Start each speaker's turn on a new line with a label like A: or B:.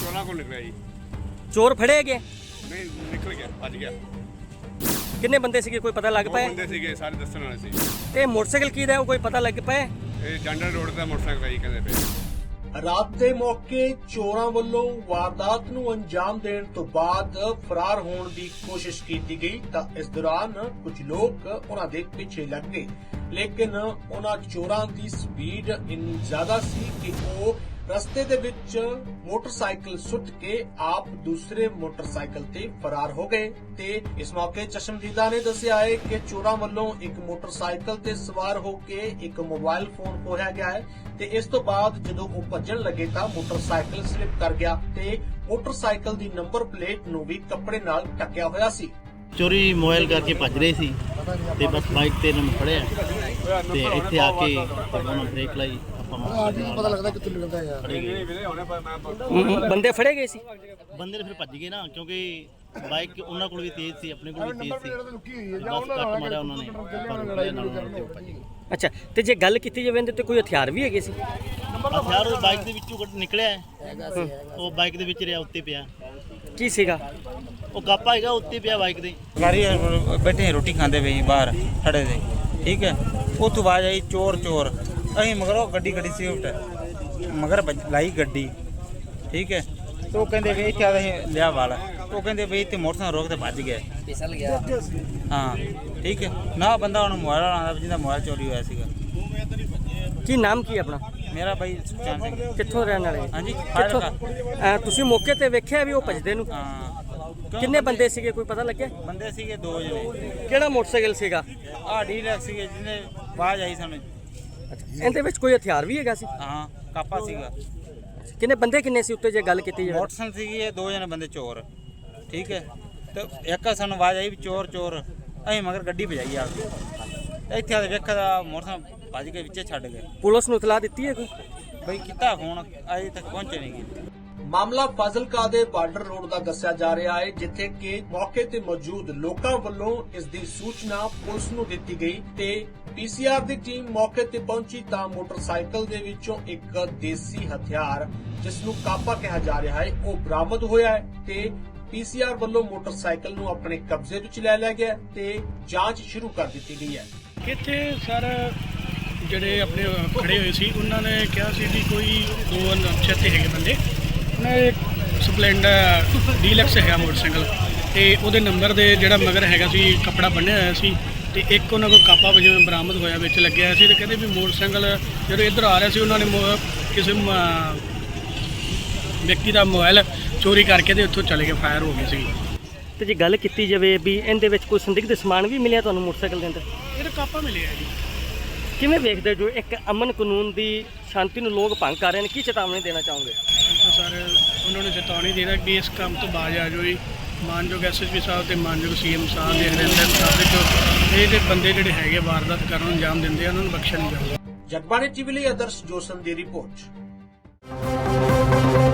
A: चोरों को निकला जी।
B: ਚੋਰ ਫੜੇ ਗਏ?
A: नहीं निकल गया, भज गया।
B: ਕਿੰਨੇ ਬੰਦੇ ਸੀਗੇ, ਕੋਈ ਪਤਾ ਲੱਗ
A: दो
B: ਪਾਇਆ?
A: बंदे सीगे, सारे दस्सण वाले सी।
B: ਤੇ ਮੋਟਰਸਾਈਕਲ ਕੀ ਦਾ ਉਹ ਕੋਈ ਪਤਾ ਲੱਗ ਪਾਇਆ?
A: ये जंडर रोड का मोटरसाइकिल जी कहते पे।
C: ਰਾਤ ਦੇ ਮੌਕੇ ਚੋਰਾਂ ਵੱਲੋਂ ਵਾਰਦਾਤ ਨੂੰ ਅੰਜਾਮ ਦੇਣ ਤੋਂ ਬਾਅਦ ਫਰਾਰ ਹੋਣ ਦੀ ਕੋਸ਼ਿਸ਼ ਕੀਤੀ ਗਈ ਤਾਂ ਇਸ ਦੌਰਾਨ ਕੁਝ ਲੋਕ ਉਹਨਾਂ ਦੇ ਪਿੱਛੇ ਲੱਗ ਗਏ, ਲੇਕਿਨ ਉਹਨਾਂ ਚੋਰਾਂ ਦੀ ਸਪੀਡ ਇੰਨੀ ਜ਼ਿਆਦਾ ਸੀ ਕਿ ਉਹ ਰਸਤੇ ਦੇ ਵਿੱਚ ਮੋਟਰਸਾਈਕਲ ਸੁੱਟ ਕੇ ਆਪ ਦੂਸਰੇ ਮੋਟਰਸਾਈਕਲ ਤੇ ਫਰਾਰ ਹੋ ਗਏ ਤੇ ਇਸ ਮੌਕੇ ਚਸ਼ਮਦੀਦਾ ਨੇ ਦੱਸਿਆ ਹੈ ਕਿ ਚੋਰਾਂ ਵੱਲੋਂ ਇੱਕ ਮੋਟਰਸਾਈਕਲ ਤੇ ਸਵਾਰ ਹੋ ਕੇ ਇੱਕ ਮੋਬਾਈਲ ਫੋਨ ਖੋਹਿਆ ਗਿਆ ਹੈ ਤੇ ਇਸ ਤੋਂ ਬਾਅਦ ਜਦੋਂ ਉਹ ਭੱਜਣ ਲੱਗੇ ਤਾਂ ਮੋਟਰਸਾਈਕਲ ਸਲਿਪ ਕਰ ਗਿਆ ਤੇ ਮੋਟਰਸਾਈਕਲ ਦੀ ਨੰਬਰ ਪਲੇਟ ਨੂੰ ਵੀ ਕੱਪੜੇ ਨਾਲ ਢੱਕਿਆ ਹੋਇਆ ਸੀ।
D: ਚੋਰੀ ਮੋਬਾਈਲ ਕਰਕੇ ਭੱਜ ਰਹੇ ਸੀ ਤੇ ਬਸ ਬਾਈਕ ਤੇ ਇਹਨਾਂ ਨੂੰ ਫੜਿਆ ਤੇ ਇੱਥੇ ਆ ਕੇ ਉਹਨਾਂ ਬ੍ਰੇਕ ਲਾਈ।
E: ਪਤਾ ਲੱਗਦਾ ਕਿੱਥੋਂ ਨਿਕਲਦਾ ਯਾਰ।
B: ਬੰਦੇ ਫੜੇ ਗਏ ਸੀ?
D: ਬੰਦੇ ਨੇ ਫਿਰ ਭੱਜ ਗਏ ਨਾ, ਕਿਉਂਕਿ ਬਾਈਕ ਉਹਨਾਂ ਕੋਲ ਵੀ ਤੇਜ਼ ਸੀ, ਆਪਣੇ ਕੋਲ ਵੀ ਤੇਜ਼ ਸੀ। ਬਸ ਕੱਟ ਮਾਰਿਆ ਉਹਨਾਂ ਨੇ, ਪਰ ਰੁਕਿਆ ਨਾਲ ਤੇ ਉਹ ਭੱਜ ਗਏ।
B: ਅੱਛਾ, ਤੇ ਜੇ ਗੱਲ ਕੀਤੀ ਜਾਵੇ ਇਹਦੇ ਤੇ ਕੋਈ ਹਥਿਆਰ ਵੀ ਹੈਗੇ ਸੀ?
D: ਹਥਿਆਰ ਉਹ ਬਾਈਕ ਦੇ ਵਿੱਚੋਂ ਨਿਕਲਿਆ ਹੈ, ਉਹ ਬਾਈਕ ਦੇ ਵਿੱਚ ਰਿਹਾ, ਉੱਤੇ ਪਿਆ।
B: ਕੀ ਸੀਗਾ?
D: ਉਹ ਕਾਪਾ ਹੈਗਾ, ਉੱਤੇ ਪਿਆ ਬਾਈਕ ਦੇ।
F: गाड़ी बैठे हैं, रोटी खाते पे बाहर खड़े थे, ठीक है। उतो आवाज आई चोर चोर, अं मगर गड्डी गड्डी स्विफ्ट मगर लाई गड्डी, ठीक है। तो कहते भी इतने आते लिया वाला, तो कहते भी इतने मोटरसाइकिल रोक के भज गए, फिसल गया। हाँ ठीक है ना, बंदा उन्होंने मोबाइल आना जिंदा मोबाइल चोरी होया सीगा।
B: ਕੀ ਨਾਮ ਕੀ ਆਪਣਾ?
F: मेरा भाई सुखचैन सिंह।
B: ਕਿੱਥੋਂ ਰਹਿਣ ਵਾਲੇ?
F: हाँ जी
B: ਕਿੱਥੋਂ? ਤੁਸੀਂ ਮੌਕੇ ਤੇ ਵੇਖਿਆ ਵੀ ਉਹ ਭੱਜਦੇ ਨੂੰ?
F: हाँ
B: ਕਿੰਨੇ ਬੰਦੇ ਸੀਗੇ, ਕੋਈ ਪਤਾ ਲੱਗਿਆ?
F: बंदे सीगे दो जने।
B: ਕਿਹੜਾ ਮੋਟਰਸਾਈਕਲ ਸੀਗਾ?
F: आ डीलक्स सीगे जिन्हें आवाज आई सानू।
B: ਇਹਦੇ ਵਿੱਚ ਕੋਈ ਹਥਿਆਰ ਵੀ ਹੈਗਾ ਸੀ?
F: हाँ कापा सीगा।
B: ਕਿੰਨੇ ਬੰਦੇ ਕਿੰਨੇ ਸੀ ਉੱਤੇ ਜੇ ਗੱਲ ਕੀਤੀ ਜਾਵੇ?
F: मोटरसाइकिल सीगी ये दो जने बंदे चोर, ठीक है। तो एक सानू आवाज आई भी चोर चोर, अं मगर गड्डी भजाई आ गई। इतने आते वेखा मोटरसाइकिल भज के विचे छड्ड गए।
B: ਪੁਲਿਸ ਨੂੰ ਇਤਲਾਹ ਦਿੱਤੀ ਹੈ ਕੋਈ?
F: बई किता फोन अजे तक पहुंचे नहीं गए।
C: ਮਾਮਲਾ ਫਾਜ਼ਿਲਕਾ ਦੇ ਬਾਰਡਰ ਰੋਡ ਦਾ ਦੱਸਿਆ ਜਾ ਰਿਹਾ ਹੈ, ਜਿੱਥੇ ਕਿ ਮੌਕੇ ਤੇ ਮੌਜੂਦ ਲੋਕਾਂ ਵੱਲੋਂ ਇਸ ਦੀ ਸੂਚਨਾ ਪੁਲਿਸ ਨੂੰ ਦਿੱਤੀ ਗਈ ਤੇ ਪੀਸੀਆਰ ਦੀ ਟੀਮ ਮੌਕੇ ਤੇ ਪਹੁੰਚੀ ਤਾਂ ਮੋਟਰਸਾਈਕਲ ਦੇ ਵਿੱਚੋਂ ਇੱਕ ਦੇਸੀ ਹਥਿਆਰ ਜਿਸ ਨੂੰ ਕਾਪਾ ਕਿਹਾ ਜਾ ਰਿਹਾ ਹੈ ਉਹ ਬਰਾਮਦ ਹੋਇਆ ਹੈ ਤੇ ਪੀਸੀਆਰ ਵੱਲੋਂ ਮੋਟਰਸਾਈਕਲ ਨੂੰ ਆਪਣੇ ਕਬਜ਼ੇ ਵਿੱਚ ਲੈ ਲਿਆ ਗਿਆ ਤੇ ਜਾਂਚ ਸ਼ੁਰੂ ਕਰ ਦਿੱਤੀ ਗਈ ਹੈ।
G: ਇੱਥੇ ਸਰ ਜਿਹੜੇ ਆਪਣੇ ਖੜੇ ਹੋਏ ਸੀ ਉਹਨਾਂ ਨੇ ਕਿਹਾ ਸੀ ਵੀ ਕੋਈ ਦੋ ਅਣਪਛਾਤੇ ਹੈਗੇ ਬੰਦੇ, ਉਹਨਾਂ ਦੇ ਸਪਲੈਂਡਰ ਡੀਲਕਸ ਹੈਗਾ ਮੋਟਰਸਾਈਕਲ ਤੇ ਉਹਦੇ ਨੰਬਰ ਦੇ ਜਿਹੜਾ ਮਗਰ ਹੈਗਾ ਸੀ ਕੱਪੜਾ ਬੰਨਿਆ ਹੋਇਆ ਸੀ ਤੇ ਇੱਕ ਉਹਨਾਂ ਕੋਲ ਕਾਪਾ ਵਜੋਂ ਬਰਾਮਦ ਹੋਇਆ ਵਿੱਚ ਲੱਗਿਆ ਸੀ ਤੇ ਕਹਿੰਦੇ ਵੀ ਮੋਟਰਸਾਈਕਲ ਜਦੋਂ ਇੱਧਰ ਆ ਰਿਹਾ ਸੀ ਉਹਨਾਂ ਨੇ ਕਿਸੇ ਵਿਅਕਤੀ ਦਾ ਮੋਬਾਈਲ ਚੋਰੀ ਕਰਕੇ ਤੇ ਉੱਥੋਂ ਚਲੇ ਗਏ, ਫਾਇਰ ਹੋ ਗਈ ਸੀ।
B: ਤੇ ਜੇ ਗੱਲ ਕੀਤੀ ਜਾਵੇ ਵੀ ਇਹਦੇ ਵਿੱਚ ਕੋਈ ਸੰਦਿਗਧ ਸਮਾਨ ਵੀ ਮਿਲਿਆ ਤੁਹਾਨੂੰ ਮੋਟਰਸਾਈਕਲ ਦੇ ਅੰਦਰ?
G: ਇਹਦਾ ਕਾਪਾ ਮਿਲਿਆ ਜੀ।
B: ਕਿਵੇਂ ਵੇਖਦੇ ਜੋ ਇੱਕ ਅਮਨ ਕਾਨੂੰਨ ਦੀ ਸ਼ਾਂਤੀ ਨੂੰ ਲੋਕ ਭੰਗ ਕਰ ਰਹੇ ਨੇ, ਕੀ ਚੇਤਾਵਨੀ ਦੇਣਾ ਚਾਹੋਗੇ?
G: ਤਾਂ ਸਰ ਉਹਨਾਂ ਨੂੰ ਚੇਤਾਵਨੀ ਦੇਣਾ ਕਿ ਇਸ ਕੰਮ ਤੋਂ ਬਾਜ਼ ਆ ਜਾਓ ਜੀ। ਮਾਨਯੋਗ ਐਸਐਸਪੀ ਸਾਹਿਬ ਤੇ ਮਾਨਯੋਗ ਸੀਐਮ ਸਾਹਿਬ ਦੇ ਹਦਾਇਤਾਂ ਦੇ ਇਹ ਬੰਦੇ ਜਿਹੜੇ ਹੈਗੇ ਵਾਰਦਾਤ ਕਰਨ ਨੂੰ ਅੰਜਾਮ ਦਿੰਦੇ ਆ ਉਹਨਾਂ ਨੂੰ ਬਖਸ਼ਿਆ ਨਹੀਂ ਜਾਊਗਾ।
C: ਜਗਬਾਣੀ ਟੀਵੀ ਲਈ ਆਦਰਸ਼ ਜੋਸਨ ਦੀ ਰਿਪੋਰਟ।